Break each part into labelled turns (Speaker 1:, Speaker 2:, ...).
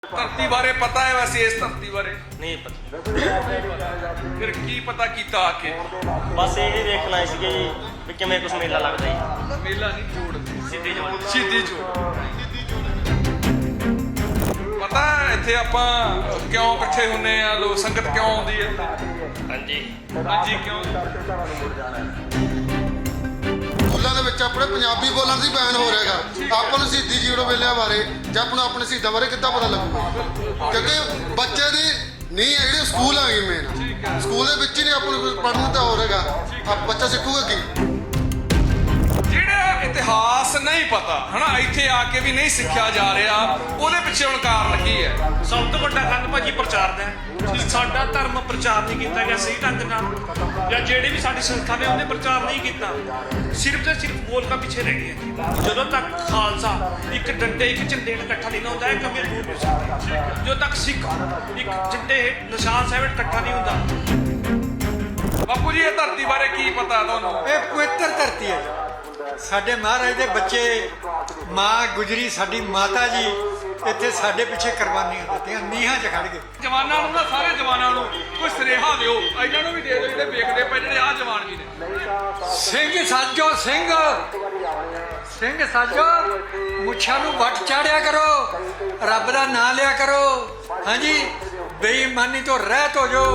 Speaker 1: ਧਰਤੀ ਬਾਰੇ ਪਤਾ ਹੈ ਵੈਸੇ ਇਸ ਧਰਤੀ ਬਾਰੇ
Speaker 2: नहीं पता।
Speaker 1: ਫਿਰ ਕੀ ਪਤਾ ਕੀਤਾ ਆ ਕੇ
Speaker 2: बस यही देखना है कि भी किमें कुछ मेला लगता है
Speaker 1: ਮੇਲਾ ਨਹੀਂ ਜੋੜਦੇ
Speaker 2: सीधी जो
Speaker 1: ਸ਼ਹੀਦੀ ਜੋੜ ਪਤਾ ਹੈ ਇੱਥੇ ਆਪਾਂ ਕਿਉਂ ਇਕੱਠੇ ਹੁੰਨੇ ਆ ਲੋਕ ਸੰਗਤ ਕਿਉਂ ਆਉਂਦੀ ਹੈ
Speaker 2: हाँ जी
Speaker 1: ਹਾਂਜੀ ਕਿਉਂ
Speaker 3: ਸਕੂਲਾਂ ਦੇ ਵਿੱਚ ਆਪਣੇ ਪੰਜਾਬੀ ਬੋਲਣ ਦੀ ਬੈਨ ਹੋ ਰਿਹਾਗਾ। ਆਪਾਂ ਨੂੰ ਸ਼ਹੀਦੀ ਜੀਰੋ ਵੇਲਿਆਂ ਬਾਰੇ ਜਾਂ ਆਪਾਂ ਨੂੰ ਆਪਣੇ ਸ਼ਹੀਦਾਂ ਬਾਰੇ ਕਿੱਦਾਂ ਪਤਾ ਲੱਗੂਗਾ, ਕਿਉਂਕਿ ਬੱਚੇ ਦੀ ਨਹੀਂ ਹੈ ਜਿਹੜੀ ਸਕੂਲ ਆ ਗਈ ਮੇਨ ਸਕੂਲ ਦੇ ਵਿੱਚ ਹੀ ਨਹੀਂ ਆਪਾਂ ਨੂੰ ਪੜ੍ਹਨ ਤਾਂ ਹੋ ਰਿਹਾਗਾ। ਬੱਚਾ ਸਿੱਖੂਗਾ ਕੀ?
Speaker 1: ਜਿਹੜਾ ਇਤਿਹਾਸ ਨਹੀਂ ਪਤਾ ਹਨਾ ਇੱਥੇ ਆ ਕੇ ਵੀ ਨਹੀਂ ਸਿੱਖਿਆ ਜਾ ਰਿਹਾ ਉਹਦੇ ਪਿੱਛੇ ਹੁਣ ਕਾਰਨ ਕੀ ਹੈ?
Speaker 4: ਸਭ ਤੋਂ ਵੱਡਾ ਕਾਰਨ ਭਾਜੀ ਪ੍ਰਚਾਰ ਦਾ ਹੈ ਕਿ ਸਾਡਾ ਧਰਮ ਪ੍ਰਚਾਰ ਨਹੀਂ ਕੀਤਾ ਗਿਆ ਸਹੀ ਢੰਗ ਨਾਲ, ਜਾਂ ਜਿਹੜੇ ਵੀ ਸਾਡੀ ਸੰਸਥਾ ਨੇ ਉਹਨੇ ਪ੍ਰਚਾਰ ਨਹੀਂ ਕੀਤਾ, ਸਿਰਫ ਤੇ ਸਿਰਫ ਬੋਲਕਾਂ ਪਿੱਛੇ ਰਹਿ ਗਏ। ਜਦੋਂ ਤੱਕ ਖਾਲਸਾ ਇੱਕ ਡੰਡੇ ਇੱਕ ਝੰਡੇ ਨਾਲ ਇਕੱਠਾ ਨਹੀਂ ਨਾ ਹੁੰਦਾ ਇਹ ਕਮੀ ਦੂਰ ਨਹੀਂ ਸਕਦੀ। ਜਦੋਂ ਤੱਕ ਸਿੱਖ ਇੱਕ ਝੰਡੇ ਨਿਸ਼ਾਨ ਸਾਹਿਬ ਇਕੱਠਾ ਨਹੀਂ ਹੁੰਦਾ।
Speaker 1: ਬਾਪੂ ਜੀ ਇਹ ਧਰਤੀ ਬਾਰੇ ਕੀ ਪਤਾ ਤੁਹਾਨੂੰ?
Speaker 5: ਇਹ ਪਵਿੱਤਰ ਧਰਤੀ ਹੈ। ਸਾਡੇ ਮਹਾਰਾਜ ਦੇ ਬੱਚੇ, ਮਾਂ ਗੁਜਰੀ ਸਾਡੀ ਮਾਤਾ ਜੀ ਇੱਥੇ ਸਾਡੇ ਪਿੱਛੇ ਕੁਰਬਾਨੀਆਂ ਦਿੱਤੀਆਂ, ਨੀਹਾਂ 'ਚ ਖੜ ਗਏ।
Speaker 1: ਜਵਾਨਾਂ ਨੂੰ ਨਾ ਸਾਰੇ ਜਵਾਨਾਂ ਨੂੰ ਕੋਈ ਸਰੇਹਾ ਦਿਓ, ਇਹਨਾਂ ਨੂੰ ਵੀ ਦੇ ਦਿਓ ਜਿਹੜੇ ਵੇਖਦੇ ਪਏ ਜਿਹੜੇ ਆਹ ਜਵਾਨ ਵੀ ਨੇ।
Speaker 5: ਸਿੰਘ ਸਾਜੋ ਸਿੰਘ ਸਿੰਘ ਸਾਜੋ ਮੁੱਛਾਂ ਨੂੰ ਵੱਟ ਚਾੜਿਆ ਕਰੋ, ਰੱਬ ਦਾ ਨਾਂ ਲਿਆ ਕਰੋ। ਹਾਂਜੀ ਬੇਈਮਾਨੀ ਤੋਂ ਰਹਿਤ ਹੋ ਜਾਓ।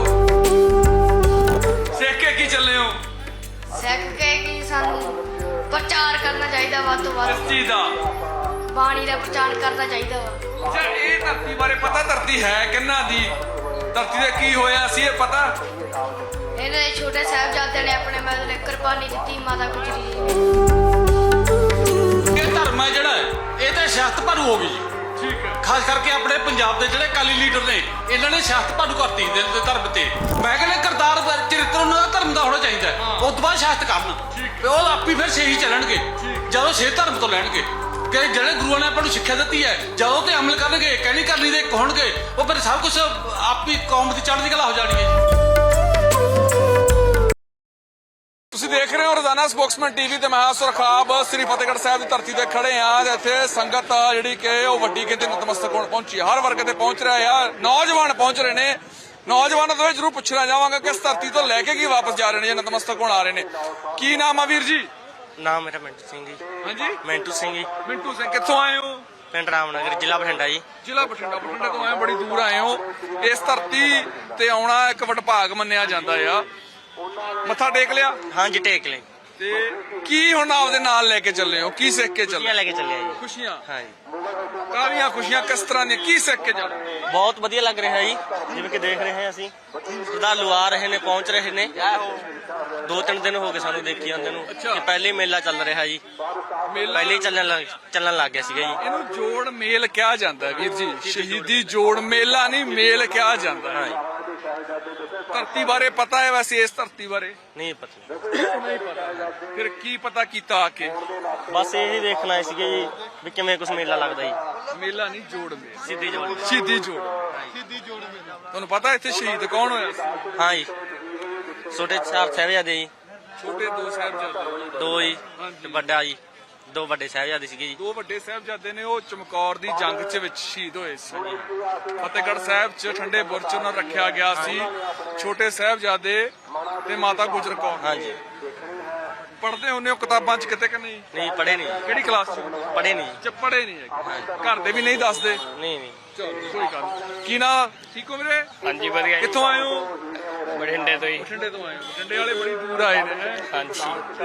Speaker 1: ਸਿੱਖ ਕੇ ਕੀ ਚੱਲੇ ਹੋ
Speaker 6: ਸਿੱਖ ਕੇ ਕਿ ਸਾਨੂੰ ਪ੍ਰਚਾਰ ਕਰਨਾ ਚਾਹੀਦਾ ਵੱਧ ਤੋਂ ਵੱਧ,
Speaker 1: ਇਸ ਚੀਜ਼ ਦਾ?
Speaker 6: ਬਾਣੀ ਦਾ ਪ੍ਰਚਾਰ ਕਰਨਾ ਚਾਹੀਦਾ ਵਾ।
Speaker 1: ਅੱਛਾ ਇਹ ਧਰਤੀ ਬਾਰੇ ਪਤਾ ਧਰਤੀ ਹੈ ਕਿੰਨਾ ਦੀ? ਧਰਤੀ ਦੇ ਕੀ ਹੋਇਆ ਸੀ ਇਹ ਪਤਾ?
Speaker 6: ਇਹਨਾਂ ਦੇ ਛੋਟੇ ਸਾਹਿਬਜ਼ਾਦਿਆਂ ਨੇ ਆਪਣੇ ਮਤਲਬ ਕੁਰਬਾਨੀ ਦਿੱਤੀ ਮਾਤਾ ਗੁਜਰੀ ਜੀ ਨੇ।
Speaker 7: ਇਹ ਧਰਮ ਹੈ ਜਿਹੜਾ ਇਹ ਤਾਂ ਸਿਆਸਤ ਭਾਰੂ ਹੋ ਗਈ ਜੀ।
Speaker 1: ਠੀਕ ਹੈ।
Speaker 7: ਖਾਸ ਕਰਕੇ ਆਪਣੇ ਪੰਜਾਬ ਦੇ ਜਿਹੜੇ ਅਕਾਲੀ ਲੀਡਰ ਨੇ ਇਹਨਾਂ ਨੇ ਸਿਆਸਤ ਭਾਰੂ ਕਰਤੀ ਦੇ ਧਰਮ ਤੇ। ਮੈਂ ਕਹਿੰਦਾ ਕਰਤਾਰ ਚਰਿੱਤਰ ਉਹਨਾਂ ਦਾ ਧਰਮ ਦਾ ਹੋਣਾ ਚਾਹੀਦਾ ਉਸ ਤੋਂ ਬਾਅਦ ਸਿਆਸਤ ਕਰਨ ਤੇ ਉਹ ਆਪੀ ਫਿਰ ਸਹੀ ਚੱਲਣਗੇ ਜਦੋਂ ਸੇ ਧਰਮ ਤੋਂ ਲੈਣਗੇ ਕਿ ਜਿਹੜੇ ਗੁਰੂਆਂ ਨੇ ਆਪਾਂ ਨੂੰ ਸਿੱਖਿਆ ਦਿੱਤੀ ਹੈ ਜਦੋਂ ਤੇ ਅਮਲ ਕਰਨਗੇ ਕਹਿਣੀ ਕਰਨੀ ਦੇ ਹੋਣਗੇ ਉਹ ਫਿਰ ਸਭ ਕੁਝ ਆਪੀ ਕੌਮ ਦੀ ਚੜ੍ਹਦੀ ਕਲਾ ਹੋ ਜਾਣੀ ਹੈ ਜੀ।
Speaker 1: ਤੁਸੀਂ ਦੇਖ ਰਹੇ ਹੋ ਰੋਜ਼ਾਨਾ ਸਪੋਕਸਮੈਨ ਟੀਵੀ ਤੇ ਮੈਂ ਸੁਰਖਾਬ ਸ੍ਰੀ ਫਤਿਹਗੜ੍ਹ ਸਾਹਿਬ ਦੀ ਧਰਤੀ ਤੇ ਖੜੇ ਆ। ਇੱਥੇ ਸੰਗਤ ਜਿਹੜੀ ਕਿ ਉਹ ਵੱਡੀ ਗਿਣਤੀ ਨਤਮਸਤਕ ਹੋਣ ਪਹੁੰਚੀ, ਹਰ ਵਰਗ ਤੇ ਪਹੁੰਚ ਰਿਹਾ ਆ। ਨੌਜਵਾਨ ਪਹੁੰਚ ਰਹੇ ਨੇ, ਨੌਜਵਾਨਾਂ ਤੋਂ ਜਰੂਰ ਪੁੱਛਣਾ ਚਾਹਾਂਗਾ ਕਿ ਇਸ ਧਰਤੀ ਤੋਂ ਲੈ ਕੇ ਕੀ ਵਾਪਸ ਜਾ ਰਹੇ ਨੇ ਜਾਂ ਨਤਮਸਤਕ ਹੋਣ ਆ ਰਹੇ ਨੇ। ਕੀ ਨਾਮ ਆ ਵੀਰ ਜੀ?
Speaker 2: नाम मेरा मिंटू सिंह जी।
Speaker 1: ਹਾਂਜੀ
Speaker 2: मिंटू सिंह जी,
Speaker 1: ਮਿੰਟੂ ਸਿੰਘ, ਕਿੱਥੋਂ ਆਏ ਹੋ?
Speaker 2: पिंड रामनगर, जिला बठिंडा जी।
Speaker 1: ਜ਼ਿਲ੍ਹਾ ਬਠਿੰਡਾ। ਬਠਿੰਡੇ ਤੋਂ ਆਏ, ਬੜੀ ਦੂਰ ਆਏ ਹੋ। ਇਸ ਧਰਤੀ ਤੇ ਆਉਣਾ ਇੱਕ ਵਡਭਾਗ ਮੰਨਿਆ ਜਾਂਦਾ ਆ। ਮੱਥਾ ਟੇਕ ਲਿਆ
Speaker 2: हाँ जी टेक लें,
Speaker 1: ਤੇ ਕੀ ਹੁਣ ਆਪਦੇ ਨਾਲ ਲੈ ਕੇ ਚੱਲੇ ਹੋ? ਕੀ ਸਿੱਖ ਕੇ
Speaker 2: खुशियाँ
Speaker 1: ਚੱਲੇ?
Speaker 2: लेके चले जी।
Speaker 1: ਖੁਸ਼ੀਆਂ
Speaker 2: हाँ जी
Speaker 1: ਕਾਹਦੀਆਂ ਖੁਸ਼ੀਆਂ, ਕਿਸ ਤਰ੍ਹਾਂ ਦੀਆਂ, ਕੀ ਸਿੱਖ ਕੇ ਚੱਲੇ?
Speaker 2: ਬਹੁਤ ਵਧੀਆ ਲੱਗ ਰਿਹਾ ਜੀ, ਜਿਵੇਂ ਕਿ ਦੇਖ ਰਹੇ ਹਾਂ ਅਸੀਂ ਸ਼ਰਧਾਲੂ ਆ ਰਹੇ ਨੇ, ਪਹੁੰਚ ਰਹੇ ਨੇ। 2-3 ਦਿਨ ਹੋ ਗਏ ਸਾਨੂੰ ਦੇਖੀ ਜਾਂਦੇ ਨੂੰ ਕਿ ਪਹਿਲੇ ਮੇਲਾ ਚੱਲ ਰਿਹਾ ਜੀ,
Speaker 1: ਮੇਲਾ
Speaker 2: ਪਹਿਲੇ ਹੀ ਚੱਲਣ ਲੱਗ ਗਿਆ ਸੀਗਾ ਜੀ।
Speaker 1: ਇਹਨੂੰ ਜੋੜ ਮੇਲ ਕਿਹਾ ਜਾਂਦਾ ਵੀਰ ਜੀ, ਸ਼ਹੀਦੀ ਜੋੜ ਮੇਲਾ ਨਹੀਂ ਮੇਲ ਕਿਹਾ ਜਾਂਦਾ
Speaker 2: ਹਾਂ
Speaker 1: ਹੈ।
Speaker 2: ਜੀ,
Speaker 1: ਧਰਤੀ ਬਾਰੇ ਪਤਾ ਹੈ ਵੈਸੇ ਇਸ ਧਰਤੀ ਬਾਰੇ
Speaker 2: ਨਹੀਂ ਪਤਾ।
Speaker 1: ਨਹੀਂ ਪਤਾ, ਫਿਰ ਕੀ ਪਤਾ ਕੀਤਾ ਆ ਕੇ?
Speaker 2: ਬਸ ਇਹੀ ਦੇਖਣਾ ਹੈ ਸੀਗਾ ਜੀ ਵੀ ਕਿਵੇਂ ਕੁਛ ਮੇਲਾ ਲੱਗਦਾ ਜੀ।
Speaker 1: ਮੇਲਾ ਨਹੀਂ ਜੋੜ ਮੇਲ,
Speaker 2: ਸਿੱਧੀ ਜੋੜ।
Speaker 1: ਸ਼ਹੀਦੀ ਜੋੜ। ਤੁਹਾਨੂੰ ਪਤਾ ਇੱਥੇ ਸ਼ਹੀਦ ਕੌਣ ਹੋਇਆ ਸੀ?
Speaker 2: ਹਾਂ ਜੀ, ਛੋਟੇ 4 ਸਾਹਿਬਜ਼ਾਦੇ ਜੀ,
Speaker 1: ਛੋਟੇ 2 ਸਾਹਿਬਜ਼ਾਦੇ,
Speaker 2: 2 ਜੀ ਤੇ ਵੱਡਾ ਜੀ, 2 ਵੱਡੇ ਸਾਹਿਬਜ਼ਾਦੇ ਸੀਗੇ ਜੀ।
Speaker 1: 2 ਵੱਡੇ ਸਾਹਿਬਜ਼ਾਦੇ ਨੇ, ਉਹ ਚਮਕੌਰ ਦੀ ਜੰਗ 'ਚ ਵਿੱਚ ਸ਼ਹੀਦ ਹੋਏ ਸੀ। ਫਤਿਹਗੜ੍ਹ ਸਾਹਿਬ 'ਚ ਠੰਡੇ ਬੁਰਜ 'ਚ ਉਹਨਾਂ ਨੂੰ ਰੱਖਿਆ ਗਿਆ ਸੀ। ਛੋਟੇ ਸਾਹਿਬਜ਼ਾਦੇ ਤੇ ਮਾਤਾ ਗੁਜਰ ਕੌਰ।
Speaker 2: ਹਾਂ ਜੀ,
Speaker 1: ਪੜ੍ਹਦੇ ਹੁੰਦੇ ਹੋ ਕਿਤਾਬਾਂ 'ਚ ਕਿਤੇ ਕਿ ਨਹੀਂ?
Speaker 2: ਨਹੀਂ ਪੜ੍ਹੇ ਨਹੀਂ,
Speaker 1: ਕਿਹੜੀ ਕਲਾਸ 'ਚ?
Speaker 2: ਪੜ੍ਹੇ ਨਹੀਂ,
Speaker 1: ਚ ਪੜ੍ਹੇ ਨਹੀਂ ਹੈਗੇ, ਘਰ ਦੇ ਵੀ ਨਹੀਂ ਦੱਸਦੇ?
Speaker 2: ਨਹੀਂ।
Speaker 1: ਚਲੋ ਕੋਈ ਗੱਲ ਨੀ। ਕੀ ਨਾ ਠੀਕ ਹੋ ਵੀਰੇ?
Speaker 4: ਹਾਂਜੀ ਵਧੀਆ।
Speaker 1: ਕਿੱਥੋਂ ਆਏ ਹੋ?
Speaker 4: ਬਠਿੰਡੇ ਤੋਂ ਹੀ।
Speaker 1: ਬਠਿੰਡੇ ਤੋਂ ਆਏ ਹੋ। ਬਠਿੰਡੇ ਵਾਲੇ ਬੜੀ ਦੂਰ ਆਏ ਨੇ ਹੈਂ?
Speaker 4: ਹਾਂਜੀ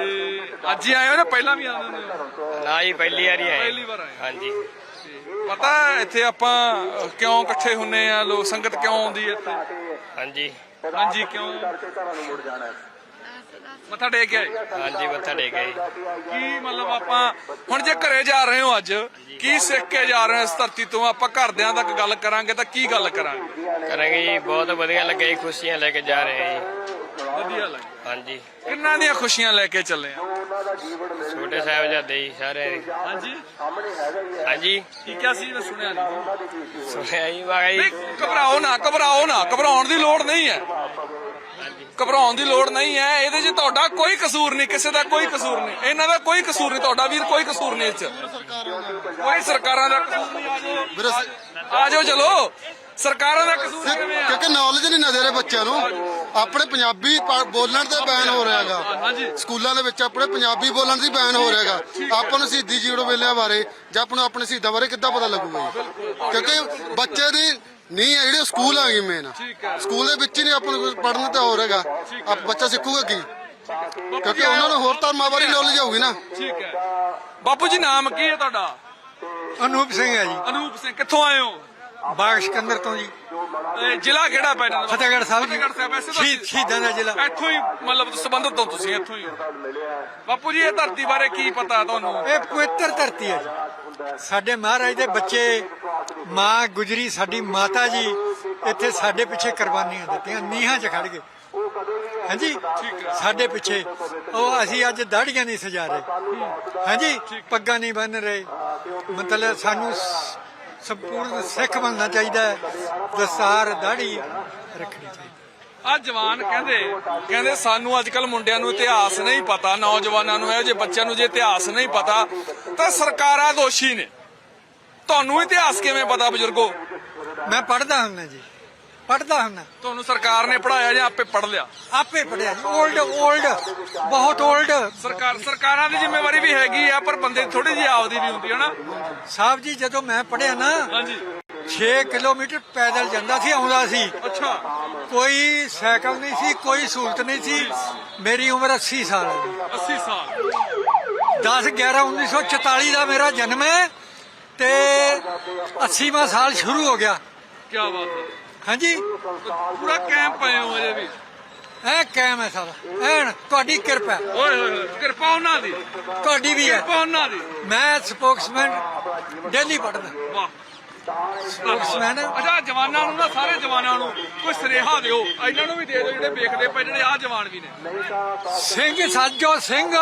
Speaker 1: ਤੇ ਅੱਜ ਹੀ ਆਏ ਹੋ ਨਾ ਪਹਿਲਾਂ ਵੀ ਆਉਂਦੇ ਹੁੰਦੇ ਹੋ?
Speaker 4: ਨਾ ਜੀ ਪਹਿਲੀ ਵਾਰੀ ਆਏ।
Speaker 1: ਪਹਿਲੀ ਵਾਰ ਆਏ।
Speaker 4: ਹਾਂਜੀ
Speaker 1: ਪਤਾ ਹੈ ਇੱਥੇ ਆਪਾਂ ਕਿਉਂ ਇਕੱਠੇ ਹੁੰਨੇ ਆ, ਲੋਕ ਸੰਗਤ ਕਿਉਂ ਆਉਂਦੀ ਹੈ ਇੱਥੇ?
Speaker 4: ਹਾਂਜੀ
Speaker 1: ਹਾਂਜੀ ਕਿਉਂ? ਮੱਥਾ ਟੇਕ ਕੇ ਆਏ?
Speaker 4: ਹਾਂਜੀ ਮੱਥਾ ਟੇਕ ਆਏ।
Speaker 1: ਕੀ ਮਤਲਬ ਆਪਾਂ ਹੁਣ ਜੇ ਘਰੇ ਜਾ ਰਹੇ ਹੋ ਅੱਜ, ਕੀ ਸਿੱਖ ਕੇ ਜਾ ਰਹੇ ਹੋ ਇਸ ਧਰਤੀ ਤੋਂ? ਆਪਾਂ ਘਰਦਿਆਂ ਤੱਕ ਗੱਲ ਕਰਾਂਗੇ ਤਾਂ ਕੀ ਗੱਲ ਕਰਾਂਗੇ?
Speaker 4: ਕਰਾਂਗੇ ਜੀ, ਬਹੁਤ ਵਧੀਆ ਲੱਗਿਆ ਜੀ, ਖੁਸ਼ੀਆਂ ਲੈ ਕੇ ਜਾ ਰਹੇ ਹਾਂ ਜੀ।
Speaker 1: ਵਧੀਆ ਲੱਗ।
Speaker 4: ਹਾਂਜੀ
Speaker 1: ਕਿੰਨਾਂ ਦੀਆਂ ਖੁਸ਼ੀਆਂ ਲੈ ਕੇ ਚੱਲੇ ਆ?
Speaker 4: ਛੋਟੇ ਸਾਹਿਬਜ਼ਾਦੇ ਜੀ ਸਾਰੇ।
Speaker 1: ਹਾਂਜੀ
Speaker 4: ਹਾਂਜੀ
Speaker 1: ਕੀ ਕਿਹਾ ਸੀ? ਮੈਂ ਸੁਣਿਆ ਨਹੀਂ।
Speaker 4: ਸੁਣਿਆ ਜੀ ਮੈਂ
Speaker 1: ਨਹੀਂ,
Speaker 4: ਜੀ।
Speaker 1: ਘਬਰਾਓ ਨਾ, ਘਬਰਾਓ ਨਾ, ਘਬਰਾਉਣ ਦੀ ਲੋੜ ਨਹੀਂ ਹੈ। ਘਬਰਾਉਣ ਦੀ ਲੋੜ ਨਹੀਂ ਹੈ। ਇਹਦੇ 'ਚ ਤੁਹਾਡਾ ਕੋਈ ਕਸੂਰ ਨਹੀਂ, ਕਿਸੇ ਦਾ ਕੋਈ ਕਸੂਰ ਨਹੀਂ, ਇਹਨਾਂ ਦਾ ਕੋਈ ਕਸੂਰ ਨਹੀਂ, ਤੁਹਾਡਾ ਵੀਰ ਕੋਈ ਕਸੂਰ ਨਹੀਂ ਇਸ 'ਚ। ਕੋਈ ਸਰਕਾਰਾਂ ਦਾ ਕਸੂਰ ਨਹੀਂ।
Speaker 3: ਵੀਰੇ
Speaker 1: ਆ ਜਾਓ ਚਲੋ, ਸਰਕਾਰਾਂ ਦਾ ਕਸੂਰ ਕਿਵੇਂ ਆ?
Speaker 3: ਕਿਉਂਕਿ ਨੌਲੇਜ ਨਹੀਂ ਨਾ ਦੇ ਰਹੇ ਬੱਚਿਆਂ ਨੂੰ। ਆਪਣੇ ਪੰਜਾਬੀ ਬੋਲਣ ਤੇ ਬੈਨ ਹੋ ਰਿਹਾ ਹੈਗਾ।
Speaker 1: ਹਾਂਜੀ।
Speaker 3: ਸਕੂਲਾਂ ਦੇ ਵਿੱਚ ਆਪਣੇ ਪੰਜਾਬੀ ਬੋਲਣ ਦੀ ਬੈਨ ਹੋ ਰਿਹਾ ਹੈਗਾ। ਆਪਾਂ ਨੂੰ ਸ਼ਹੀਦੀ ਜੀਰੋ ਵੇਲਿਆਂ ਬਾਰੇ ਜਾਂ ਆਪਾਂ ਨੂੰ ਆਪਣੇ ਸ਼ਹੀਦਾਂ ਬਾਰੇ ਕਿੱਦਾਂ ਪਤਾ ਲੱਗੂਗਾ ਜੀ? ਕਿਉਂਕਿ ਬੱਚੇ ਦੀ ਨਹੀਂ ਹੈ ਜਿਹੜੇ ਸਕੂਲ ਆ ਗਈ ਮੇਨ। ਸਕੂਲ ਦੇ ਵਿੱਚ ਹੀ ਨਹੀਂ ਆਪਾਂ ਨੂੰ ਪੜ੍ਹਨ ਤੇ ਹੋ ਰਿਹਾਗਾ। ਬੱਚਾ ਸਿੱਖੂਗਾ ਕੀ? ਕਿਉਂਕਿ ਉਹਨਾਂ ਨੂੰ ਹੋਰ ਧਰਮਾਂ ਬਾਰੇ ਨੌਲੇਜ ਹੋਊਗੀ ਨਾ।
Speaker 1: ਠੀਕ ਹੈ। ਬਾਪੂ ਜੀ ਨਾਮ ਕੀ ਹੈ ਤੁਹਾਡਾ?
Speaker 5: ਅਨੂਪ ਸਿੰਘ ਹੈ ਜੀ,
Speaker 1: ਅਨੂਪ ਸਿੰਘ। ਕਿੱਥੋਂ ਆਏ ਹੋ?
Speaker 5: ਬਾਗ ਸਿਕੰਦਰ ਤੋਂ ਜੀ,
Speaker 1: ਇਹ ਜ਼ਿਲ੍ਹਾ ਕਿਹੜਾ ਪੈ ਜਾਂਦਾ?
Speaker 5: ਫਤਿਹਗੜ੍ਹ ਸਾਹਿਬ ਜੀ।
Speaker 1: ਫਤਿਹਗੜ੍ਹ ਸਾਹਿਬ। ਵੈਸੇ ਤਾਂ
Speaker 5: ਸ਼ਹੀਦਾਂ ਦਾ ਜ਼ਿਲ੍ਹਾ।
Speaker 1: ਇੱਥੋਂ ਹੀ ਮਤਲਬ ਸੰਬੰਧਿਤ ਹੋ ਤੁਸੀਂ, ਇੱਥੋਂ ਹੀ ਹੋ। ਬਾਪੂ ਜੀ ਇਹ ਧਰਤੀ ਬਾਰੇ ਕੀ ਪਤਾ ਤੁਹਾਨੂੰ?
Speaker 5: ਇਹ ਪਵਿੱਤਰ ਧਰਤੀ ਹੈ ਜੀ। ਸਾਡੇ ਮਹਾਰਾਜ ਦੇ ਬੱਚੇ, ਮਾਂ ਗੁਜਰੀ ਸਾਡੀ ਮਾਤਾ ਜੀ ਇੱਥੇ ਸਾਡੇ ਪਿੱਛੇ ਕੁਰਬਾਨੀਆਂ ਦਿੱਤੀਆਂ, ਨੀਹਾਂ 'ਚ ਖੜ ਗਏ। ਹਾਂਜੀ, ਸਾਡੇ ਪਿੱਛੇ ਉਹ ਅਸੀਂ ਅੱਜ ਦਾੜੀਆਂ ਨਹੀਂ ਸਜਾ ਰਹੇ। ਹਾਂਜੀ, ਪੱਗਾਂ ਨਹੀਂ ਬੰਨ ਰਹੇ। ਮਤਲਬ ਸਾਨੂੰ ਸੰਪੂਰਨ ਸਿੱਖ ਬਣਨਾ ਚਾਹੀਦਾ ਹੈ। ਦਸਤਾਰ ਦਾੜੀ ਰੱਖਣੀ ਚਾਹੀਦੀ।
Speaker 1: ਆ ਜਵਾਨ ਕਹਿੰਦੇ ਸਾਨੂੰ ਅੱਜ ਕੱਲ ਮੁੰਡਿਆਂ ਨੂੰ ਇਤਿਹਾਸ ਨਹੀਂ ਪਤਾ, ਨੌਜਵਾਨਾਂ ਨੂੰ, ਇਹੋ ਜਿਹੇ ਬੱਚਿਆਂ ਨੂੰ ਜੇ ਇਤਿਹਾਸ ਨਹੀਂ ਪਤਾ ਤਾਂ ਸਰਕਾਰਾਂ ਦੋਸ਼ੀ ਨੇ। ਤੁਹਾਨੂੰ ਇਤਿਹਾਸ ਕਿਵੇਂ ਪਤਾ ਬਜ਼ੁਰਗੋ?
Speaker 5: ਮੈਂ ਪੜ੍ਹਦਾ ਹੁੰਦਾ ਜੀ, ਪੜ੍ਹਦਾ ਹੁੰਦਾ।
Speaker 1: ਤੁਹਾਨੂੰ ਸਰਕਾਰ ਨੇ ਪੜਾਇਆ ਜਾਂ ਆਪੇ ਪੜ ਲਿਆ?
Speaker 5: ਆਪੇ ਪੜਿਆ ਜੀ। ਓਲਡ ਬਹੁਤ ਓਲਡ।
Speaker 1: ਸਰਕਾਰਾਂ ਦੀ ਜ਼ਿੰਮੇਵਾਰੀ ਵੀ ਹੈਗੀ ਆ, ਪਰ ਬੰਦੇ ਦੀ ਥੋੜੀ ਜਿਹੀ ਆਪਦੀ ਵੀ ਹੁੰਦੀ ਹੈ ਨਾ
Speaker 5: ਸਾਹਿਬ ਜੀ, ਜਦੋਂ ਮੈਂ ਪੜਿਆ ਨਾ,
Speaker 1: ਹਾਂਜੀ
Speaker 5: 6 ਕਿਲੋਮੀਟਰ ਪੈਦਲ ਜਾਂਦਾ ਸੀ, ਆਉਂਦਾ ਸੀ।
Speaker 1: ਅੱਛਾ।
Speaker 5: ਕੋਈ ਸਾਈਕਲ ਨਹੀਂ ਸੀ, ਕੋਈ ਸਹੂਲਤ ਨਹੀਂ ਸੀ। ਮੇਰੀ ਉਮਰ 80 ਸਾਲ ਹੈ ਜੀ।
Speaker 1: 80 ਸਾਲ।
Speaker 5: 10/11/1944 ਦਾ ਮੇਰਾ ਜਨਮ ਹੈ ਤੇ 80ਵਾਂ ਸਾਲ ਸ਼ੁਰੂ ਹੋ ਗਿਆ।
Speaker 1: ਕੀ ਬਾਤ ਹੈ।
Speaker 5: ਹਾਂਜੀ,
Speaker 1: ਪੂਰਾ ਕੈਂਪ ਪਏ ਹੋ ਅਜੇ ਵੀ?
Speaker 5: ਐ ਕਾਇਮ ਹੈ ਸਾਰਾ, ਐਨ ਤੁਹਾਡੀ ਕਿਰਪਾ ਹੈ।
Speaker 1: ਓਏ ਹੋਏ ਹੋਏ, ਕਿਰਪਾ ਉਹਨਾਂ ਦੀ,
Speaker 5: ਤੁਹਾਡੀ ਵੀ ਹੈ।
Speaker 1: ਕਿਰਪਾ ਉਹਨਾਂ ਦੀ।
Speaker 5: ਮੈਂ ਸਪੋਕਸਮੈਨ ਡੇਲੀ ਪੜ੍ਹਦਾ।
Speaker 1: ਵਾਹ।
Speaker 5: ਸਪੋਕਸਮੈਨ।
Speaker 1: ਅੱਛਾ, ਜਵਾਨਾਂ ਨੂੰ ਨਾ, ਸਾਰੇ ਜਵਾਨਾਂ ਨੂੰ ਕੋਈ ਸੁਨੇਹਾ ਦਿਓ, ਇਹਨਾਂ ਨੂੰ ਵੀ ਦੇ ਦਿਓ ਜਿਹੜੇ ਵੇਖਦੇ ਪਏ, ਜਿਹੜੇ ਆ ਜਵਾਨ ਵੀ ਨੇ।
Speaker 5: ਸਿੰਘ ਸਾਜੋ,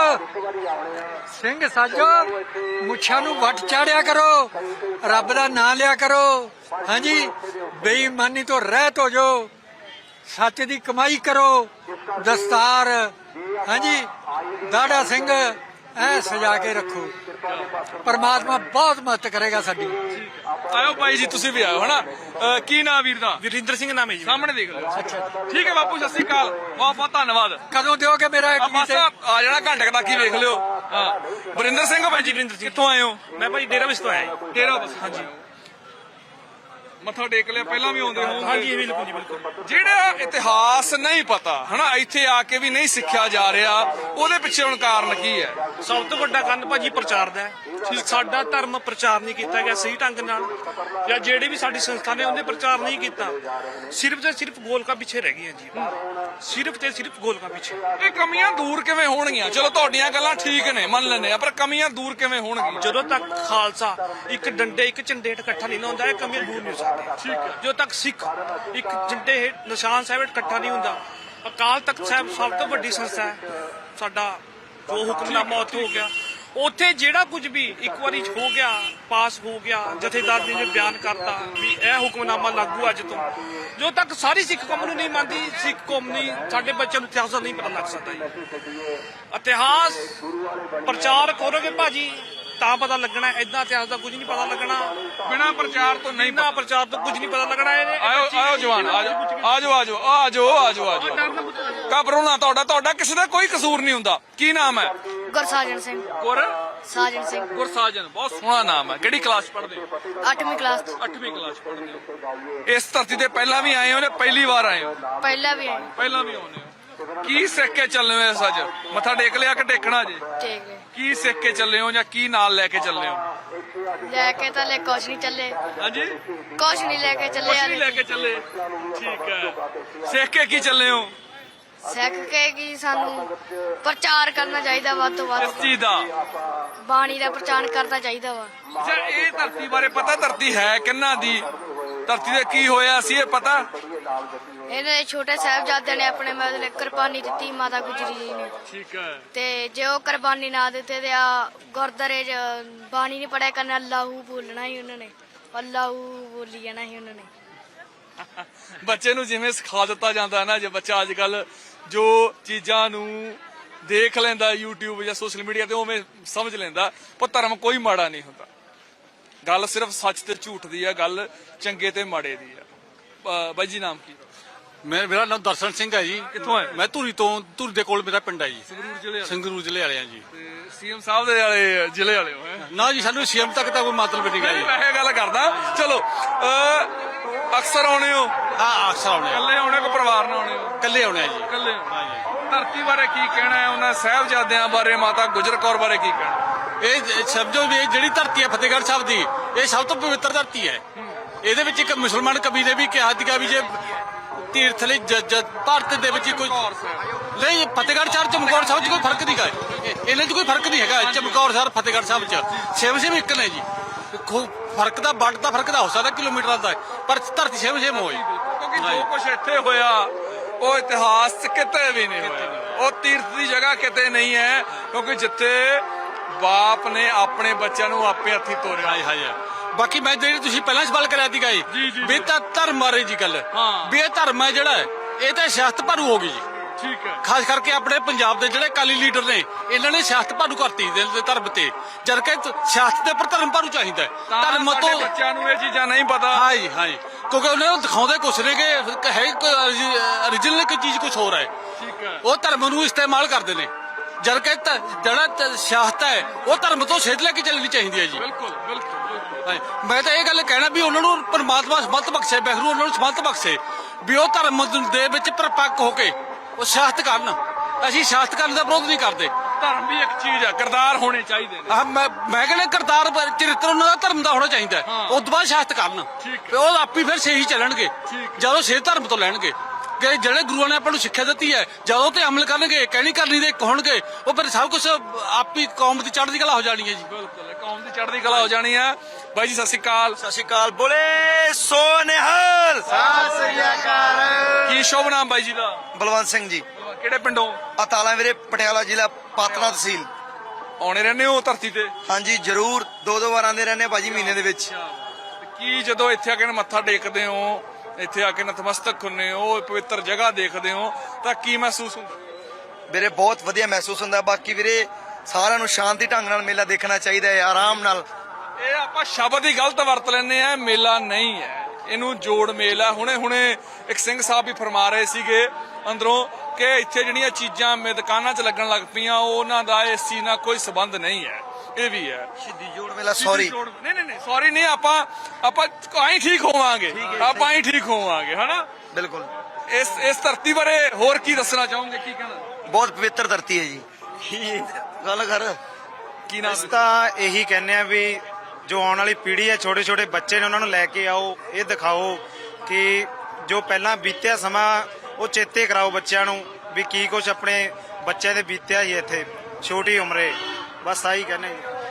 Speaker 5: ਸਿੰਘ ਸਾਜੋ, ਮੁੱਛਾਂ ਨੂੰ ਵੱਟ ਚਾੜਿਆ ਕਰੋ, ਰੱਬ ਦਾ ਨਾਂ ਲਿਆ ਕਰੋ। ਹਾਂਜੀ, ਬੇਈਮਾਨੀ ਤੋਂ ਰਹਿਤ ਹੋ ਜਾਓ, ਸੱਚ ਦੀ ਕਮਾਈ ਕਰੋ। ਦਸਤਾਰ, ਹਾਂਜੀ, ਦਾੜਾ ਸਿੰਘ ਐ ਸਜਾ ਕੇ ਰੱਖੋ। ਪਰਮਾਤਮਾ ਬਹੁਤ ਮਦਦ ਕਰੇਗਾ ਸਾਡੀ।
Speaker 1: ਆਇਓ ਬਾਈ ਜੀ, ਤੁਸੀਂ ਵੀ ਆਇਓ ਹਨਾ। ਕੀ ਨਾਮ ਵੀਰ ਦਾ?
Speaker 4: ਵਰਿੰਦਰ ਸਿੰਘ ਨਾਮ ਹੈ ਜੀ।
Speaker 1: ਸਾਹਮਣੇ ਦੇਖ ਲਿਓ। ਠੀਕ ਹੈ ਬਾਪੂ, ਸਤਿ ਸ੍ਰੀ ਅਕਾਲ, ਬਹੁਤ ਬਹੁਤ ਧੰਨਵਾਦ।
Speaker 5: ਕਦੋਂ ਦਿਓਗੇ ਮੇਰਾ
Speaker 1: ਬਸ ਆ ਜਾਣਾ, ਘੰਟੇ ਕੁ ਤੱਕ ਹੀ ਵੇਖ ਲਿਓ। ਹਾਂ, ਵਰਿੰਦਰ ਸਿੰਘ ਬਾਈ ਜੀ, ਕਿੱਥੋਂ ਆਏ ਹੋ?
Speaker 4: ਮੈਂ ਭਾਈ ਡੇਰਾ ਵਿਸ ਤੋਂ ਆਇਆ ਜੀ।
Speaker 1: ਡੇਰਾ ਬਸ। ਹਾਂਜੀ, ਮੱਥਾ ਟੇਕ ਲਿਆ, ਪਹਿਲਾਂ ਵੀ ਆਉਂਦੇ ਹੋ?
Speaker 4: ਹਾਂਜੀ, ਬਿਲਕੁਲ ਜੀ, ਬਿਲਕੁਲ।
Speaker 1: ਜਿਹੜਾ ਇਤਿਹਾਸ ਨਹੀਂ ਪਤਾ ਹਨਾ, ਇੱਥੇ ਆ ਕੇ ਵੀ ਨਹੀਂ ਸਿੱਖਿਆ ਜਾ ਰਿਹਾ, ਉਹਦੇ ਪਿੱਛੇ ਹੁਣ ਕਾਰਨ ਕੀ ਹੈ?
Speaker 4: ਸਭ ਤੋਂ ਵੱਡਾ ਕਾਰਨ ਭਾਜੀ ਪ੍ਰਚਾਰ ਦਾ ਹੈ। ਸਾਡਾ ਧਰਮ ਪ੍ਰਚਾਰ ਨਹੀਂ ਕੀਤਾ ਗਿਆ ਸਹੀ ਢੰਗ ਨਾਲ, ਜਾਂ ਜਿਹੜੇ ਵੀ ਸਾਡੀ ਸੰਸਥਾ ਨੇ ਉਹਨੇ ਪ੍ਰਚਾਰ ਨਹੀਂ ਕੀਤਾ। ਸਿਰਫ ਤੇ ਸਿਰਫ ਗੋਲਕਾਂ ਪਿੱਛੇ ਰਹਿ ਗਈਆਂ ਜੀ, ਸਿਰਫ ਤੇ ਸਿਰਫ ਗੋਲਕਾਂ ਪਿੱਛੇ।
Speaker 1: ਇਹ ਕਮੀਆਂ ਦੂਰ ਕਿਵੇਂ ਹੋਣਗੀਆਂ? ਚਲੋ ਤੁਹਾਡੀਆਂ ਗੱਲਾਂ ਠੀਕ ਨੇ, ਮੰਨ ਲੈਂਦੇ ਆ, ਪਰ ਕਮੀਆਂ ਦੂਰ ਕਿਵੇਂ ਹੋਣਗੀਆਂ?
Speaker 4: ਜਦੋਂ ਤੱਕ ਖਾਲਸਾ ਇੱਕ ਡੰਡੇ ਇੱਕ ਝੰਡੇ ਹੇਠ ਇਕੱਠਾ ਨਹੀਂ ਨਾ ਹੁੰਦਾ, ਇਹ ਕਮੀਆਂ ਦੂਰ ਨਹੀਂ ਹੋ ਸਕਦੀਆਂ। ਜਦੋਂ ਤੱਕ ਸਿੱਖ ਇੱਕ ਝੰਡੇ ਹੇਠ ਨਿਸ਼ਾਨ ਸਾਹਿਬ ਹੇਠ ਇਕੱਠਾ ਨਹੀਂ ਹੁੰਦਾ। ਅਕਾਲ ਤਖਤ ਸਾਹਿਬ ਸਭ ਤੋਂ ਵੱਡੀ ਸੰਸਥਾ ਹੈ ਸਾਡਾ, ਜੋ ਹੁਕਮਨਾਮਾ ਉੱਥੇ ਹੋ ਗਿਆ, ਉੱਥੇ ਜਿਹੜਾ ਕੁਝ ਵੀ ਇੱਕ ਵਾਰੀ ਹੋ ਗਿਆ, ਪਾਸ ਹੋ ਗਿਆ, ਜਥੇਦਾਰ ਜੀ ਨੇ ਬਿਆਨ ਕਰਤਾ ਵੀ ਇਹ ਹੁਕਮਨਾਮਾ ਲਾਗੂ ਅੱਜ ਤੋਂ। ਜਦੋਂ ਤੱਕ ਸਾਰੀ ਸਿੱਖ ਕੌਮ ਨੂੰ ਨਹੀਂ ਮੰਨਦੀ, ਸਿੱਖ ਕੌਮ ਨਹੀਂ, ਸਾਡੇ ਬੱਚਿਆਂ ਨੂੰ ਇਤਿਹਾਸ ਦਾ ਨਹੀਂ ਪਤਾ ਲੱਗ ਸਕਦਾ ਜੀ। ਇਤਿਹਾਸ ਪ੍ਰਚਾਰ ਕਰੋਗੇ ਭਾਜੀ ਤਾਂ ਪਤਾ ਲੱਗਣਾ, ਏਦਾਂ ਇਤਿਹਾਸ ਦਾ ਕੁਝ ਨਹੀਂ ਪਤਾ ਲੱਗਣਾ।
Speaker 1: ਬਿਨਾਂ ਪ੍ਰਚਾਰ ਤੋਂ ਨਹੀਂ,
Speaker 4: ਬਿਨਾਂ ਪ੍ਰਚਾਰ ਤੋਂ ਕੁਝ ਨਹੀਂ ਪਤਾ ਲੱਗਣਾ।
Speaker 1: ਆਇਓ ਜਵਾਨ, ਆਜੋ। ਘਬਰਾਓ ਨਾ, ਤੁਹਾਡਾ ਕਿਸੇ ਦਾ ਕੋਈ ਕਸੂਰ ਨਹੀਂ ਹੁੰਦਾ। ਕੀ ਨਾਮ ਹੈ?
Speaker 6: ਗੁਰਸਾਜਨ ਸਿੰਘ। ਸਾਜਨ ਸਿੰਘ।
Speaker 1: ਗੁਰਸਾਜਨ, ਬਹੁਤ ਸੋਹਣਾ ਨਾਮ ਹੈ। ਕਿਹੜੀ ਕਲਾਸ ਪੜ੍ਹਦੇ ਹੋ?
Speaker 6: 8ਵੀਂ ਕਲਾਸ ਤੋਂ।
Speaker 1: 8ਵੀਂ ਕਲਾਸ ਪੜ੍ਹਦੇ ਹੋ। ਇਸ ਧਰਤੀ ਤੇ ਪਹਿਲਾਂ ਵੀ ਆਏ ਹੋ ਜਾਂ ਪਹਿਲੀ ਵਾਰ ਆਏ ਹੋ?
Speaker 6: ਪਹਿਲਾਂ ਵੀ ਆਏ।
Speaker 1: ਪਹਿਲਾਂ ਵੀ ਆਉਂਦੇ ਹੋ। ਕੀ ਸਿੱਖ ਕੇ ਚੱਲੇ ਹੋ ਇਸ ਅੱਜ? ਮੱਥਾ ਟੇਕ ਲਿਆ ਕਿ ਟੇਕਣਾ ਜੇ?
Speaker 6: ਠੀਕ ਹੈ।
Speaker 1: ਕੀ ਸਿੱਖ ਕੇ ਚੱਲੇ ਹੋ ਜਾਂ ਕੀ ਨਾਲ ਲੈ ਕੇ ਚੱਲੇ ਹੋ?
Speaker 6: ਲੈ ਕੇ ਤਾਂ ਲੈ ਕੁਛ ਨਹੀਂ ਚੱਲੇ।
Speaker 1: ਹਾਂਜੀ,
Speaker 6: ਕੁਛ ਨਹੀਂ ਲੈ ਕੇ ਚੱਲੇ।
Speaker 1: ਕੁਛ ਨਹੀਂ ਲੈ ਕੇ ਚੱਲੇ। ਠੀਕ ਹੈ। ਸਿੱਖ ਕੇ ਕੀ ਚੱਲੇ ਹੋ?
Speaker 6: ਸਿੱਖ ਕੇ ਕੀ ਸਾਨੂੰ ਪ੍ਰਚਾਰ ਕਰਨਾ ਚਾਹੀਦਾ, ਵੱਧ ਤੋਂ ਵੱਧ
Speaker 1: ਇਸ ਚੀਜ਼ ਦਾ?
Speaker 6: ਬਾਣੀ ਦਾ ਪ੍ਰਚਾਰ ਕਰਨਾ ਚਾਹੀਦਾ ਵਾ।
Speaker 1: ਅੱਛਾ, ਇਹ ਧਰਤੀ ਬਾਰੇ ਪਤਾ? ਧਰਤੀ ਹੈ ਕਿੰਨਾ ਦੀ? ਧਰਤੀ ਤੇ ਕੀ ਹੋਇਆ ਸੀ ਇਹ ਪਤਾ?
Speaker 6: ਇਹਨਾਂ ਦੇ ਛੋਟੇ ਸਾਹਿਬਜ਼ਾਦਿਆਂ ਨੇ ਆਪਣੇ ਮਤਲਬ ਕੁਰਬਾਨੀ ਦਿੱਤੀ, ਮਾਤਾ ਗੁਜਰੀ ਜੀ ਨੇ।
Speaker 1: ਠੀਕ ਹੈ।
Speaker 6: ਤੇ ਜੇ ਉਹ ਕੁਰਬਾਨੀ ਨਾ ਦਿੱਤੇ ਤੇ ਆ ਗੁਰਦਾਰੇ 'ਚ ਬਾਣੀ ਨਹੀਂ ਪੜਿਆ ਕਰਨਾ, ਅੱਲਾਹੂ ਬੋਲਣਾ ਹੀ ਉਹਨਾਂ ਨੇ, ਅੱਲਾਹੂ ਬੋਲੀ ਜਾਣਾ ਹੀ ਉਹਨਾਂ ਨੇ।
Speaker 1: ਬੱਚੇ ਨੂੰ ਜਿਵੇਂ ਸਿਖਾ ਦਿੱਤਾ ਜਾਂਦਾ ਨਾ, ਜੇ ਬੱਚਾ ਅੱਜ ਕੱਲ ਜੋ ਚੀਜ਼ਾਂ ਨੂੰ ਦੇਖ ਲੈਂਦਾ YouTube ਜਾਂ ਸੋਸ਼ਲ ਮੀਡੀਆ ਤੇ, ਉਵੇਂ ਸਮਝ ਲੈਂਦਾ। ਪਰ ਧਰਮ ਕੋਈ ਮਾੜਾ ਨਹੀਂ ਹੁੰਦਾ। ਗੱਲ ਸਿਰਫ ਸੱਚ ਤੇ ਝੂਠ ਦੀ ਆ, ਗੱਲ ਚੰਗੇ ਤੇ ਮਾੜੇ ਦੀ ਆ। ਬਾਈ ਜੀ ਨਾਮ ਕੀ?
Speaker 7: ਮੇਰਾ ਨਾਮ ਦਰਸ਼ਨ ਸਿੰਘ ਹੈ ਜੀ।
Speaker 1: ਕਿੱਥੋਂ ਹੈ?
Speaker 7: ਮੈਂ ਧੂਰੀ ਦੇ ਕੋਲ ਮੇਰਾ ਪਿੰਡ ਹੈ ਜੀ।
Speaker 1: ਸੰਗਰੂਰ ਜ਼ਿਲ੍ਹੇ
Speaker 7: ਸੰਗਰੂਰ ਜ਼ਿਲ੍ਹੇ ਵਾਲੇ ਆ ਜੀ।
Speaker 1: ਤੇ ਸੀਐਮ ਸਾਹਿਬ ਦੇ ਵਾਲੇ ਜ਼ਿਲ੍ਹੇ ਵਾਲੇ ਹੋ ਹੈ?
Speaker 7: ਨਾ ਜੀ, ਸਾਨੂੰ ਸੀਐਮ ਤੱਕ ਤਾਂ ਕੋਈ ਮਤਲਬ ਨਹੀਂ ਗਾ ਜੀ।
Speaker 1: ਮੈਂ ਇਹ ਗੱਲ ਕਰਦਾ। ਚਲੋ ਅਕਸਰ ਆਉਣੇ ਹੋ?
Speaker 7: ਹਾਂ, ਅਕਸਰ ਆਉਣੇ ਆ।
Speaker 1: ਇਕੱਲੇ ਆਉਣੇ ਕੋ ਪਰਿਵਾਰ ਨਾਲ ਆਉਣੇ ਹੋ?
Speaker 7: ਇਕੱਲੇ ਆਉਣੇ ਆ ਜੀ।
Speaker 1: ਇਕੱਲੇ
Speaker 7: ਹਾਂ ਜੀ।
Speaker 1: ਧਰਤੀ ਬਾਰੇ ਕੀ ਕਹਿਣਾ ਹੈ? ਉਹਨਾਂ ਸਾਹਿਬਜ਼ਾਦਿਆਂ ਬਾਰੇ, ਮਾਤਾ ਗੁਜਰ ਕੌਰ ਬਾਰੇ ਕੀ ਕਹਿਣਾ?
Speaker 7: ਇਹ ਸਮਝੋ ਵੀ ਇਹ ਜਿਹੜੀ ਧਰਤੀ ਹੈ ਫਤਿਹਗੜ੍ਹ ਸਾਹਿਬ ਦੀ, ਇਹ ਸਭ ਤੋਂ ਪਵਿੱਤਰ ਧਰਤੀ ਹੈ। ਇਹਦੇ ਵਿੱਚ ਇੱਕ ਮੁਸਲਮਾਨ ਕਵੀ ਨੇ ਵੀ ਕਿਹਾ ਸੀਗਾ ਵੀ ਜੇ ਤੀਰਥ ਲਈ ਭਾਰਤ ਦੇ ਵਿੱਚ ਕੋਈ ਨਹੀਂ, ਫਤਿਹਗੜ੍ਹ ਸਾਹਿਬ ਚਮਕੌਰ ਸਾਹਿਬ 'ਚ ਕੋਈ ਫਰਕ ਨਹੀਂ ਗਾ। ਇਹਨਾਂ 'ਚ ਕੋਈ ਫਰਕ ਨਹੀਂ ਹੈਗਾ। ਚਮਕੌਰ ਸਾਹਿਬ ਫਤਿਹਗੜ੍ਹ ਸਾਹਿਬ 'ਚ ਸੇਮ ਇੱਕ ਨੇ ਜੀ। ਫਰਕ ਦਾ ਵੱਡ ਦਾ ਫਰਕ ਦਾ ਹੋ ਸਕਦਾ ਕਿਲੋਮੀਟਰਾਂ ਦਾ, ਪਰ ਧਰਤੀ ਸੇਮ ਹੋਈ।
Speaker 1: ਕਿਉਂਕਿ ਜੋ ਕੁਝ ਇੱਥੇ ਹੋਇਆ ਉਹ ਇਤਿਹਾਸ 'ਚ ਕਿਤੇ ਵੀ ਨਹੀਂ ਹੋਇਆ। ਉਹ ਤੀਰਥ ਦੀ ਜਗ੍ਹਾ ਕਿਤੇ ਨਹੀਂ ਹੈ, ਕਿਉਂਕਿ ਜਿੱਥੇ ਬਾਪ ਨੇ ਆਪਣੇ ਬੱਚਿਆਂ ਨੂੰ ਆਪੇ ਹੱਥੀਂ ਤੋਰਿਆ।
Speaker 7: ਹਾਏ ਹਾਏ। ਬਾਕੀ ਮੈਂ ਜਿਹੜੀ ਤੁਸੀਂ ਪਹਿਲਾਂ ਸਵਾਲ ਕਰਿਆ ਸੀਗਾ ਜੀ ਵੀ ਤਾਂ ਧਰਮ ਬਾਰੇ ਜੀ ਗੱਲ, ਵੀ ਇਹ ਧਰਮ ਹੈ ਜਿਹੜਾ ਇਹ ਤਾਂ ਸਿਆਸਤ ਭਰੂ ਹੋ ਗਈ ਜੀ।
Speaker 1: ਠੀਕ ਹੈ।
Speaker 7: ਖਾਸ ਕਰਕੇ ਆਪਣੇ ਪੰਜਾਬ ਦੇ ਜਿਹੜੇ ਅਕਾਲੀ ਲੀਡਰ ਨੇ, ਇਹਨਾਂ ਨੇ ਸਿਆਸਤ ਭਰੂ ਕਰਤੀ ਧਰਮ ਤੇ, ਜਦ ਕਿ ਸਿਆਸਤ ਦੇ ਉੱਪਰ ਧਰਮ ਭਰੂ ਚਾਹੀਦਾ ਹੈ। ਧਰਮ ਤੋਂ
Speaker 1: ਬੱਚਿਆਂ ਨੂੰ ਇਹ ਚੀਜ਼ਾਂ ਨਹੀਂ ਪਤਾ।
Speaker 7: ਹਾਂ ਜੀ, ਹਾਂ ਜੀ, ਕਿਉਂਕਿ ਉਹਨਾਂ ਨੂੰ ਦਿਖਾਉਂਦੇ ਕੁਛ ਨੇ ਕਿ ਹੈ ਓਰੀਜਨਲ ਕੋਈ ਚੀਜ਼ ਕੁਛ ਹੋਰ ਹੈ।
Speaker 1: ਠੀਕ ਹੈ।
Speaker 7: ਉਹ ਧਰਮ ਨੂੰ ਇਸਤੇਮਾਲ ਕਰਦੇ ਨੇ, ਜਦ ਕਿ ਜਿਹੜਾ ਸਿਆਸਤ ਹੈ ਉਹ ਧਰਮ ਤੋਂ ਸੇਧ ਲੈ ਕੇ ਚੱਲਣੀ ਚਾਹੀਦੀ ਹੈ ਜੀ।
Speaker 1: ਬਿਲਕੁਲ ਬਿਲਕੁਲ।
Speaker 7: ਮੈਂ ਤਾਂ ਇਹ ਗੱਲ ਕਹਿਣਾ ਵੀ ਉਹਨਾਂ ਨੂੰ ਪਰਮਾਤਮਾ ਸਮਤ ਬਖਸ਼ੇ, ਵਾਹਿਗੁਰੂ ਉਹਨਾਂ ਨੂੰ ਸਮਤ ਬਖਸ਼ੇ ਵੀ ਉਹ ਧਰਮ ਦੇ ਵਿੱਚ ਪਰਪੱਕ ਹੋ ਕੇ ਉਹ ਸਿਆਸਤ ਕਰਨ। ਅਸੀਂ ਸਿਆਸਤ ਕਰਨ ਦਾ ਵਿਰੋਧ ਨਹੀਂ ਕਰਦੇ।
Speaker 1: ਧਰਮ ਵੀ ਇੱਕ ਚੀਜ਼ ਆ, ਕਿਰਦਾਰ ਹੋਣੇ ਚਾਹੀਦੇ ਨੇ।
Speaker 7: ਮੈਂ ਕਹਿੰਦਾ ਕਿਰਦਾਰ ਚਰਿੱਤਰ ਉਹਨਾਂ ਦਾ ਧਰਮ ਦਾ ਹੋਣਾ ਚਾਹੀਦਾ। ਉਸ ਤੋਂ ਬਾਅਦ ਸਿਆਸਤ ਕਰਨ, ਉਹ ਆਪੀ ਫਿਰ ਸਹੀ ਚੱਲਣਗੇ ਜਦੋਂ ਸੇ ਧਰਮ ਤੋਂ ਲੈਣਗੇ। ਕਿ ਜਿਹੜੇ ਗੁਰੂਆਂ ਨੇ ਆਪਾਂ ਨੂੰ ਸਿੱਖਿਆ ਦਿੱਤੀ ਹੈ, ਜਦੋਂ ਤੇ ਅਮਲ ਕਰਨਗੇ, ਕਹਿਣੀ ਕਰਨੀ ਦੇ ਇੱਕ ਹੋਣਗੇ, ਉਹ ਫਿਰ ਸਭ ਕੁਝ ਆਪੀ ਕੌਮ ਦੀ ਚੜ੍ਹਦੀ ਕਲਾ ਹੋ ਜਾਣੀ ਹੈ ਜੀ।
Speaker 1: ਬਿਲਕੁਲ, ਕੌਮ ਦੀ ਚੜ੍ਹਦੀ ਕਲਾ ਹੋ ਜਾਣੀ ਹੈ। ਬਾਈ ਜੀ ਸਤਿ ਸ਼੍ਰੀ ਅਕਾਲ।
Speaker 8: ਸਤਿ ਸ਼੍ਰੀ ਅਕਾਲ। ਬੋਲੇ ਸੋ ਨਿਹਾਲ।
Speaker 3: ਸਤਿ ਸ੍ਰੀ ਅਕਾਲ।
Speaker 1: ਕੀ ਸ਼ੁਭ ਨਾਮ ਬਾਈ ਜੀ ਦਾ?
Speaker 8: ਬਲਵੰਤ ਸਿੰਘ ਜੀ,
Speaker 1: ਕਿਹੜੇ ਪਿੰਡੋਂ?
Speaker 8: ਅਤਾਲਾ ਵੀਰੇ, ਪਟਿਆਲਾ ਜ਼ਿਲ੍ਹਾ, ਪਾਤੜਾ ਤਹਿਸੀਲ।
Speaker 1: ਆਉਣੇ ਰਹਿੰਦੇ ਹੋ ਧਰਤੀ ਤੇ?
Speaker 8: ਹਾਂਜੀ ਜ਼ਰੂਰ, 2-2 ਵਾਰ ਆਉਂਦੇ ਰਹਿੰਦੇ ਭਾਜੀ ਮਹੀਨੇ ਦੇ ਵਿੱਚ।
Speaker 1: ਕੀ ਜਦੋਂ ਇੱਥੇ ਆ ਕੇ ਮੱਥਾ ਟੇਕਦੇ ਹੋ, ਇੱਥੇ ਆ ਕੇ ਨਤਮਸਤਕ ਹੁੰਨੇ ਹੋ, ਪਵਿੱਤਰ ਜਗ੍ਹਾ ਦੇਖਦੇ ਹੋ, ਤਾਂ ਕੀ ਮਹਿਸੂਸ ਹੁੰਦਾ?
Speaker 8: ਵੀਰੇ ਬਹੁਤ ਵਧੀਆ ਮਹਿਸੂਸ ਹੁੰਦਾ। ਬਾਕੀ ਵੀਰੇ ਸਾਰਿਆਂ ਨੂੰ ਸ਼ਾਂਤੀ ਢੰਗ ਨਾਲ ਮੇਲਾ ਦੇਖਣਾ ਚਾਹੀਦਾ ਹੈ, ਆਰਾਮ ਨਾਲ।
Speaker 1: ਇਹ ਆਪਾਂ ਸ਼ਬਦ ਹੀ ਗਲਤ ਵਰਤ ਲੈਂਦੇ ਆ, ਮੇਲਾ ਨਹੀਂ ਹੈ, ਇਹਨੂੰ ਜੋੜ ਮੇਲ ਹੈ। ਹੁਣੇ ਇੱਕ ਸਿੰਘ ਸਾਹਿਬ ਵੀ ਫਰਮਾ ਰਹੇ ਸੀਗੇ ਅੰਦਰੋਂ ਕਿ ਇੱਥੇ ਜਿਹੜੀਆਂ ਚੀਜ਼ਾਂ ਦੁਕਾਨਾਂ 'ਚ ਲੱਗਣ ਲੱਗ ਪਈਆਂ, ਉਹਨਾਂ ਦਾ ਇਸ ਚੀਜ਼ ਨਾਲ ਕੋਈ ਸਬੰਧ ਨਹੀਂ ਹੈ। ਇਹ ਵੀ ਹੈ
Speaker 8: ਸ਼ਹੀਦੀ ਜੋੜ ਮੇਲਾ। ਸੌਰੀ
Speaker 1: ਨਹੀਂ ਸੌਰੀ ਨਹੀਂ, ਆਪਾਂ ਆਈ ਠੀਕ ਹੋਵਾਂਗੇ, ਆਪਾਂ ਆਈ ਠੀਕ ਹੋਵਾਂਗੇ, ਹਨਾ?
Speaker 8: ਬਿਲਕੁਲ।
Speaker 1: ਇਸ ਧਰਤੀ ਬਾਰੇ ਹੋਰ ਕੀ ਦੱਸਣਾ ਚਾਹੋਗੇ? ਕੀ ਕਹਿਣਾ?
Speaker 8: ਬਹੁਤ ਪਵਿੱਤਰ ਧਰਤੀ ਹੈ ਜੀ। ਕੀ ਗੱਲ ਕਰ
Speaker 1: ਕੀ ਨਾਮ?
Speaker 9: ਅਸੀਂ ਤਾਂ ਇਹੀ ਕਹਿੰਦੇ ਆ ਵੀ ਜੋ ਆਉਣ ਵਾਲੀ ਪੀੜ੍ਹੀ ਹੈ, ਛੋਟੇ ਛੋਟੇ ਬੱਚੇ ਨੇ, ਉਹਨਾਂ ਨੂੰ ਲੈ ਕੇ ਆਓ, ਇਹ ਦਿਖਾਓ ਕਿ ਜੋ ਪਹਿਲਾਂ ਬੀਤਿਆ ਸਮਾਂ ਉਹ ਚੇਤੇ ਕਰਾਓ ਬੱਚਿਆਂ ਨੂੰ ਵੀ ਕੀ ਕੁਝ ਆਪਣੇ ਬੱਚਿਆਂ ਦੇ ਬੀਤਿਆ ਹੀ ਇੱਥੇ ਛੋਟੀ ਉਮਰੇ। ਬਸ ਆਹੀ ਕਹਿੰਦੇ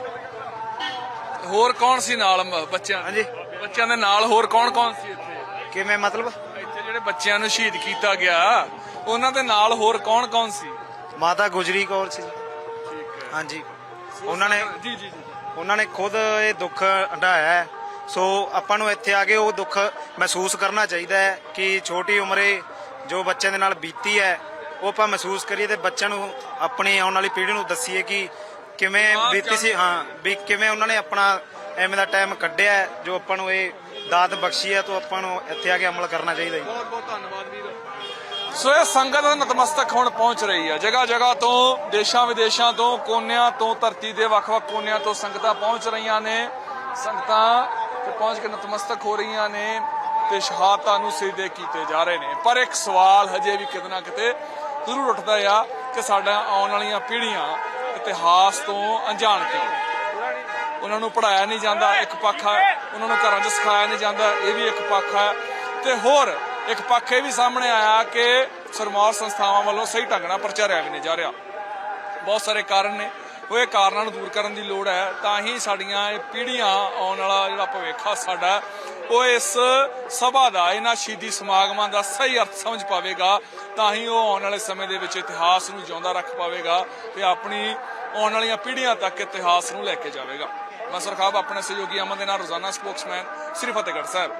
Speaker 9: ਜੀ।
Speaker 1: ਹੋਰ ਕੌਣ ਸੀ ਨਾਲ ਬੱਚਿਆਂ?
Speaker 9: ਹਾਂਜੀ।
Speaker 1: ਬੱਚਿਆਂ ਦੇ ਨਾਲ ਹੋਰ ਕੌਣ ਸੀ ਇੱਥੇ?
Speaker 9: ਕਿਵੇਂ ਮਤਲਬ?
Speaker 1: ਇੱਥੇ ਜਿਹੜੇ ਬੱਚਿਆਂ ਨੂੰ ਸ਼ਹੀਦ ਕੀਤਾ ਗਿਆ, ਉਹਨਾਂ ਦੇ ਨਾਲ ਹੋਰ ਕੌਣ ਸੀ?
Speaker 9: ਮਾਤਾ ਗੁਜਰੀ ਕੌਰ ਸੀ। ਹਾਂਜੀ, ਉਹਨਾਂ ਨੇ ਖੁਦ ਇਹ ਦੁੱਖ ਹੰਢਾਇਆ ਹੈ। ਸੋ ਆਪਾਂ ਨੂੰ ਇੱਥੇ ਆ ਕੇ ਉਹ ਦੁੱਖ ਮਹਿਸੂਸ ਕਰਨਾ ਚਾਹੀਦਾ ਹੈ ਕਿ ਛੋਟੀ ਉਮਰੇ ਜੋ ਬੱਚਿਆਂ ਦੇ ਨਾਲ ਬੀਤੀ ਹੈ ਉਹ ਆਪਾਂ ਮਹਿਸੂਸ ਕਰੀਏ ਤੇ ਬੱਚਿਆਂ ਨੂੰ, ਆਪਣੀ ਆਉਣ ਵਾਲੀ ਪੀੜ੍ਹੀ ਨੂੰ ਦੱਸੀਏ ਕਿ ਕਿਵੇਂ ਬੀਤੀ ਸੀ। ਹਾਂ, ਵੀ ਕਿਵੇਂ ਉਹਨਾਂ ਨੇ ਆਪਣਾ ਐਵੇਂ ਦਾ ਟਾਈਮ ਕੱਢਿਆ ਹੈ, ਜੋ ਆਪਾਂ ਨੂੰ ਇਹ ਦਾਤ ਬਖਸ਼ੀ ਹੈ। ਤਾਂ ਆਪਾਂ ਨੂੰ ਇੱਥੇ ਆ ਕੇ ਅਮਲ ਕਰਨਾ ਚਾਹੀਦਾ ਜੀ।
Speaker 1: ਬਹੁਤ ਧੰਨਵਾਦ ਵੀਰ। ਸੋ ਇਹ ਸੰਗਤ ਨਤਮਸਤਕ ਹੁਣ ਪਹੁੰਚ ਰਹੀ ਹੈ, ਜਗ੍ਹਾ ਜਗ੍ਹਾ ਤੋਂ, ਦੇਸ਼ਾਂ ਵਿਦੇਸ਼ਾਂ ਤੋਂ, ਕੋਨਿਆਂ ਤੋਂ, ਧਰਤੀ ਦੇ ਵੱਖ-ਵੱਖ ਕੋਨਿਆਂ ਤੋਂ ਸੰਗਤਾਂ ਪਹੁੰਚ ਰਹੀਆਂ ਨੇ। ਸੰਗਤਾਂ ਤੇ ਪਹੁੰਚ ਕੇ ਨਤਮਸਤਕ ਹੋ ਰਹੀਆਂ ਨੇ ਤੇ ਸ਼ਹਾਦਤਾਂ ਨੂੰ ਸਿਜਦੇ ਕੀਤੇ ਜਾ ਰਹੇ ਨੇ। ਪਰ ਇੱਕ ਸਵਾਲ ਹਜੇ ਵੀ ਕਿਤੇ ਨਾ ਕਿਤੇ ਜ਼ਰੂਰ ਉੱਠਦਾ ਆ ਕਿ ਸਾਡਾ ਆਉਣ ਵਾਲੀਆਂ ਪੀੜ੍ਹੀਆਂ ਇਤਿਹਾਸ ਤੋਂ ਅਣਜਾਣ ਕਿਉਂ? ਉਹਨਾਂ ਨੂੰ ਪੜ੍ਹਾਇਆ ਨਹੀਂ ਜਾਂਦਾ, ਇੱਕ ਪੱਖ ਹੈ। ਉਹਨਾਂ ਨੂੰ ਘਰਾਂ 'ਚ ਸਿਖਾਇਆ ਨਹੀਂ ਜਾਂਦਾ, ਇਹ ਵੀ ਇੱਕ ਪੱਖ ਹੈ। ਤੇ ਹੋਰ ਇੱਕ ਪੱਖ ਇਹ ਵੀ ਸਾਹਮਣੇ ਆਇਆ ਕਿ ਸਰਮਾਰ ਸੰਸਥਾਵਾਂ ਵੱਲੋਂ ਸਹੀ ਢੰਗ ਨਾਲ ਪ੍ਰਚਾਰਿਆ ਵੀ ਨਹੀਂ ਜਾ ਰਿਹਾ। ਬਹੁਤ ਸਾਰੇ ਕਾਰਨ ਨੇ, ਉਹ ਇਹ ਕਾਰਨਾਂ ਨੂੰ ਦੂਰ ਕਰਨ ਦੀ ਲੋੜ ਹੈ। ਤਾਂ ਹੀ ਸਾਡੀਆਂ ਇਹ ਪੀੜ੍ਹੀਆਂ, ਆਉਣ ਵਾਲਾ ਜਿਹੜਾ ਭਵਿੱਖ ਆ ਸਾਡਾ, ਉਹ ਇਸ ਸਭਾ ਦਾ, ਇਹਨਾਂ ਸ਼ਹੀਦੀ ਸਮਾਗਮਾਂ ਦਾ ਸਹੀ ਅਰਥ ਸਮਝ ਪਾਵੇਗਾ। ਤਾਂ ਹੀ ਉਹ ਆਉਣ ਵਾਲੇ ਸਮੇਂ ਦੇ ਵਿੱਚ ਇਤਿਹਾਸ ਨੂੰ ਜਿਉਂਦਾ ਰੱਖ ਪਾਵੇਗਾ ਤੇ ਆਪਣੀ ਆਉਣ ਵਾਲੀਆਂ ਪੀੜ੍ਹੀਆਂ ਤੱਕ ਇਤਿਹਾਸ ਨੂੰ ਲੈ ਕੇ ਜਾਵੇਗਾ। ਮੈਂ ਸਰਖਾਬ ਆਪਣੇ ਸਹਿਯੋਗੀ ਅਮਨ ਦੇ ਨਾਲ, ਰੋਜ਼ਾਨਾ ਸਪੋਕਸਮੈਨ, ਸ੍ਰੀ ਫਤਿਹਗੜ੍ਹ ਸਾਹਿਬ।